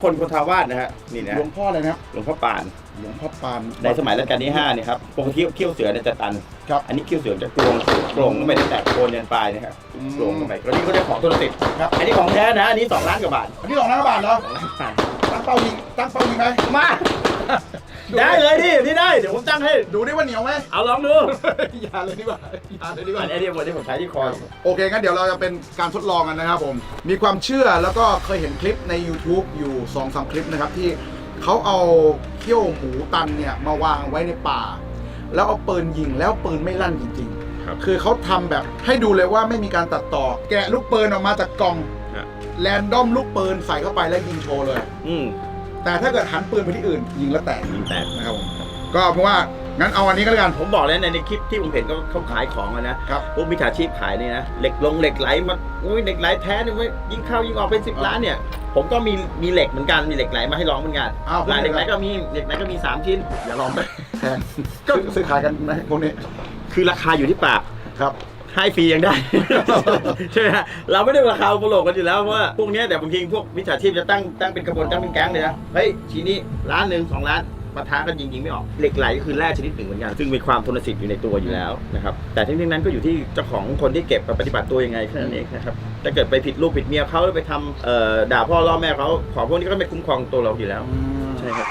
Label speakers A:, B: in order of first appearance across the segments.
A: คนโพธาวาสนะฮะนี่นะ
B: หลวงพ่ออะไรนะครับ
A: หลวงพ่อปาน
B: หลวงพ่อปาน
A: ในสมัยรัชกาลที่5เนี่ยครับปกติเขี้ยวเสือเนี่ยจะตัน
B: ครับ
A: อันนี้เขี้ยวเสือจะโกรงก็ไม่ได้แตกโคนยันปลายนะครับโกรงเข้าไปแล้วนี่ก็ได้ของตัวติด
B: ครับ
A: อันนี้ของแท้นะอันนี้2 ล้านกว่าบาท
B: อันนี้2 ล้านบาทเหรอตั้งเป้ายิงไหม
A: มาได้เลยนี่ได้เดี๋ยวผมตั้งให้
B: ดูดิว่าเหนียวไหม
A: เอาลองดู
B: อย่าเลยดีกว่า
A: อันนี้ผมใช้ที่คอ
B: โอเคงั้นเดี๋ยวเราจะเป็นการทดลองกันนะครับผมมีความเชื่อแล้วก็เคยเห็นคลิปใน YouTube อยู่ 2-3 คลิปนะครับที่เขาเอาเขี้ยวหมูตันเนี่ยมาวางไว้ในป่าแล้วเอาปืนยิงแล้วปืนไม่ลั่นจริงๆคือเขาทำแบบให้ดูเลยว่าไม่มีการตัดต่อแกะลูกปืนออกมาจากกล่องแรนดอมลูกปืนใส่เข้าไปแล้วยิงโชว์เลยแต่ถ้าเกิดหันปืนไปที่อื่นยิงแล้วแตกนะครับผมก็เพราะว่างั้นเอาอันนี้ก็แล้วกัน
A: ผมบอกแล้วในคลิปที่ผมเห็นเขาขายของนะครับพวกมิจฉาชีพขายนี่นะเหล็กไหลมาเหล็กไหลแท้เนี่ยยิงเข้ายิงออกเป็น10 ล้านเนี่ยผมก็มีเหล็กเหมือนกันมีเหล็กไหลมาให้ลองเหมือนกันเหล็กไหลก็มี3 ชิ้นอย่าลองไป
B: แพงก็ซื้อขายกันไหมพวกนี้
A: คือราคาอยู่ที่ปาก
B: ครับ
A: ให้ฟรียังได้ ใช่ไหมฮะเราไม่ได้ราคาโปรโลกันอยู่แล้วเพราะว่าพวกนี้แต่บางทีพวกมิจฉาชีพจะตั้งเป็นกระบวนตั้งเป็นแก๊งเลยนะเฮ้ยชิ้นนี้1 ล้าน2 ล้านปะทะกันยิงไม่ออกเหล็กไหลก็คือแร่ชนิดหนึ่งเหมือนกันซึ่งมีความทนสิทธิ์อยู่ในตัวอยู่แล้วนะครับแต่ทั้งนี้นั้นก็อยู่ที่เจ้าของคนที่เก็บปฏิบัติตัวยังไงแค่นั้นเองนะครับถ้าเกิดไปผิดลูกผิดเมียเขาหรือไปทำด่าพ่อล่อแม่เขาของพวกนี้ก็ไม่คุ้มครองตัวเราอยู่แล้วใช่ครับ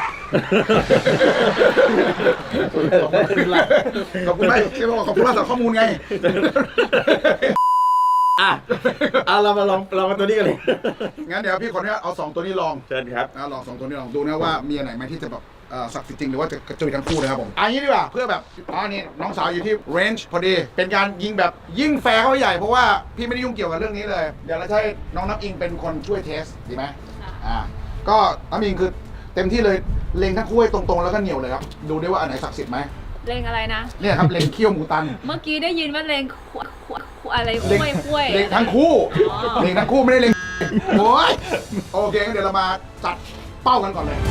B: ขอบคุณมากที่บอกขอบคุณมากสำหรับข้อมูลไง
A: เรามาลองตัวนี้กันเลย
B: งั้นเดี๋ยวพี่ขออนุญาตเอา2 ตัวนี้ลอง
A: เชิญครับ
B: ลอง2 ตัวนี้ลองดูนะว่ามีอันไหนไหมที่จะแบบศักดิ์สิทธิ์จริงหรือว่าจะกระจุยทั้งคู่นะครับผมอันนี้ดีกว่าเพื่อแบบนี่น้องสาวอยู่ที่เรนจ์พอดีเป็นการยิงแบบยิ่งแฟร์เข้าใหญ่เพราะว่าพี่ไม่ได้ยุ่งเกี่ยวกับเรื่องนี้เลยเดี๋ยวเราให้น้องน้ำอิงเป็นคนช่วยเทสดีไหมก็น้ำอิงคือเต็มที่เลยเล็งทั้งคู่ให้ตรงๆแล้วก็เหนียวเลยครับดูได้ว่าอันไหนศักดิ์สิทธิ์ไหม
C: เลงอะไรนะ
B: เนี่ยครับเลงเขี้ยวหมูตัน
C: เมื่อกี้ได้ยินว่าเลงอะไรคุ้ย
B: เลงทั้งคู่เลงทั้งคู่ไม่ได้เลงโอ้ยโอเคงั้นเดี๋ยวเรามาจัดเป้ากันก่อนเลย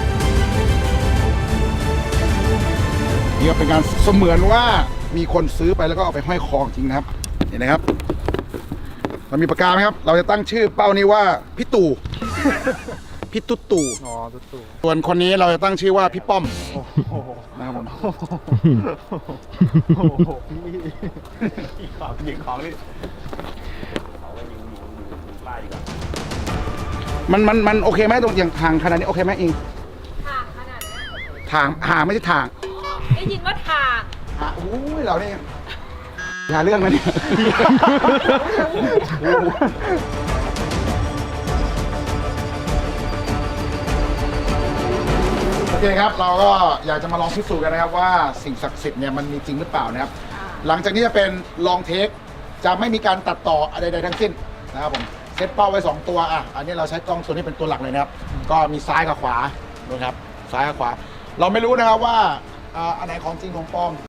B: นี่ก็เป็นการเสมือนว่ามีคนซื้อไปแล้วก็เอาไปห้อยคอจริงนะครับเห็นไหมครับเรามีปากกาไหมครับเราจะตั้งชื่อเป้านี้ว่าพี่ตู่พี่ตุ๊ตู่ส่วนคนนี้เราจะตั้งชื่อว่าพี่ป้อมนะครับผม
A: ยิงของนี่
B: มันโอเคไหมตรงอย่างทางขนาดนี้โอเคไหมอิง
C: ทางขนาดนี้
B: ทางไม่ใช่ทาง
C: ได้ยินว่าทาง
B: โอ้ยเราเนี่ยอย่าเรื่องนะเนี่ยโอเคครับเราก็อยากจะมาลองพิสูจน์กันนะครับว่าสิ่งศักดิ์สิทธิ์เนี่ยมันมีจริงหรือเปล่านะครับหลังจากนี้จะเป็นลองเทคจะไม่มีการตัดต่ออะไรใดทั้งสิ้นนะครับผมเซตเป้าไว้2 ตัวอันนี้เราใช้กล้องตัวนี้เป็นตัวหลักเลยนะครับก็มีซ้ายกับขวาดูครับซ้ายกับขวาเราไม่รู้นะครับว่าอันไหนของจริงของปลอม